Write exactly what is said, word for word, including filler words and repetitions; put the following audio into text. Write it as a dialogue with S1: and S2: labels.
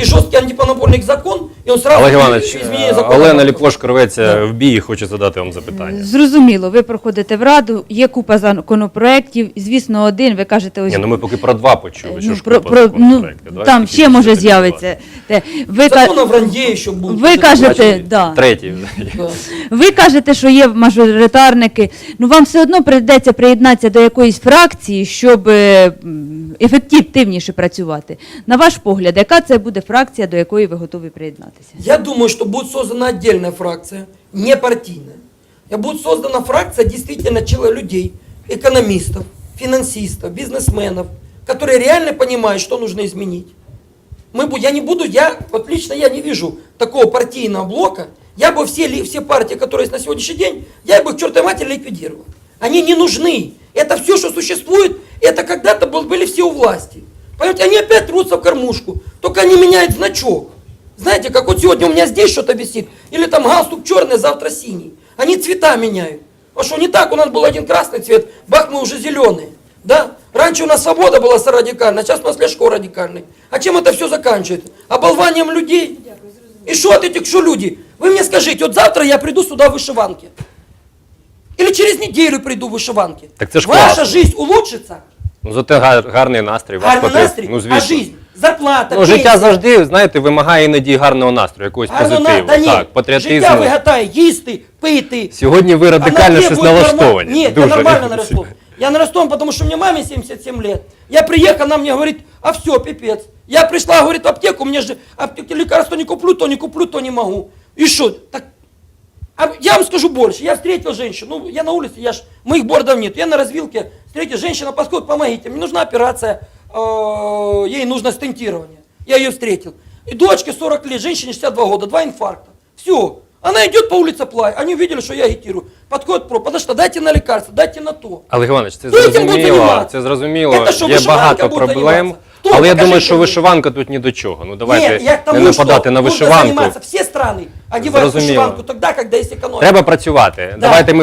S1: и жесткий антимонопольный закон, и он сразу
S2: Олег Іванович,
S1: изменение закона.
S2: Олена Ліпошко рветься
S1: Да.
S2: в бій і хоче задати вам запитання.
S3: Зрозуміло, ви проходите в Раду, є купа законопроєктів, звісно, один, ви кажете, ось...
S2: Ні, ну ми поки про два почули, що
S3: ну,
S2: ж
S3: про,
S2: купа
S3: про, ну,
S2: законопроектів. Давайте
S3: там
S2: тільки
S3: ще може
S2: щось
S3: з'явиться. Те, Ви,
S1: Закон
S3: ка-
S1: о вранье еще будет.
S3: ви кажете,
S2: Бачите?
S3: да.
S2: Третій.
S1: Да.
S3: Ви кажете, що є мажоритарники, ну вам все одно прийдеться приєднатися до якоїсь фракції, щоб е, м, ефективніше працювати. На ваш погляд, яка це буде фракція, до якої ви готові приєднатися?
S1: Я думаю, что будет создана отдельная фракция, не партийная. И будет создана фракция действительно чело- людей, экономистов, финансистов, бизнесменов, которые реально понимают, что нужно изменить. Мы, бу- я не буду, я, вот лично я не вижу такого партийного блока. Я бы все, ли- все партии, которые есть на сегодняшний день, я бы к чертовой матери ликвидировал. Они не нужны. Это все, что существует, это когда-то был- были все у власти. Понимаете, они опять рвутся в кормушку, только они меняют значок. Знаете, как вот сегодня у меня здесь что-то висит, или там галстук черный, завтра синий. Они цвета меняют. А что не так, у нас был один красный цвет, бах, мы уже зеленые. Да? Раньше у нас свобода была радикальная, а сейчас у нас Ляшко радикальный. А чем это все заканчивается? Оболванием людей. И что от этих, что люди? Вы мне скажите, вот завтра я приду сюда в вышиванке. Или через неделю приду в вышиванке.
S2: Так це ж
S1: Ваша
S2: класно.
S1: жизнь улучшится?
S2: Ну, зате гар- гарний настрій. вас
S1: Гарний
S2: потрібен.
S1: настрій,
S2: Ну,
S1: а
S2: звісно.
S1: жизнь, зарплата,
S2: Ну, життя
S1: пенсія.
S2: завжди, знаєте, вимагає іноді гарного настрою, якогось
S1: Гарно на-
S2: позитиву.
S1: та ні,
S2: Так, патріотизму.
S1: життя вигадає їсти, пити.
S2: Сьогодні ви радикально
S1: Она
S2: щось
S1: требует
S2: налаштовані.
S1: норма- Нет,
S2: Дуже.
S1: я нормально нарасту. Я нарасту, потому что мне маме семьдесят семь лет. Я приехал, она мне говорит, а все, пипец. Я пришла, говорит, в аптеку, мне же аптеки лекарства не куплю, то не куплю, то не могу. И что? Так, а я вам скажу больше. Я встретил женщину, ну, я на улице, я ж, моих бордов нет. Я на развилке встретил, женщина подходит, помогите, мне нужна операция, э, ей нужно стентирование. Я ее встретил. И дочке сорок лет, женщине шестьдесят два года, два инфаркта. Все. Она идет по улице Плай, они увидели, что я агитирую. Подходит про, подожди, дайте на лекарство, дайте на то.
S2: Олег Іванович, це
S1: Хто цим буде
S2: зрозуміло,
S1: займатися?
S2: це зрозуміло,
S1: Це що,
S2: є
S1: вишиванка
S2: багато
S1: буде
S2: проблем,
S1: займатися? Хто?
S2: але я
S1: Покажіть
S2: думаю, що
S1: мені.
S2: вишиванка тут ні до чого. Ну давайте
S1: Нет, я к тому,
S2: не нападати
S1: что
S2: на
S1: нужно
S2: вишиванку.
S1: заниматься. Все страны одевают
S2: Зрозуміло.
S1: вышиванку тогда, когда есть экономика.
S2: Треба працювати.
S1: Да.
S2: Давайте ми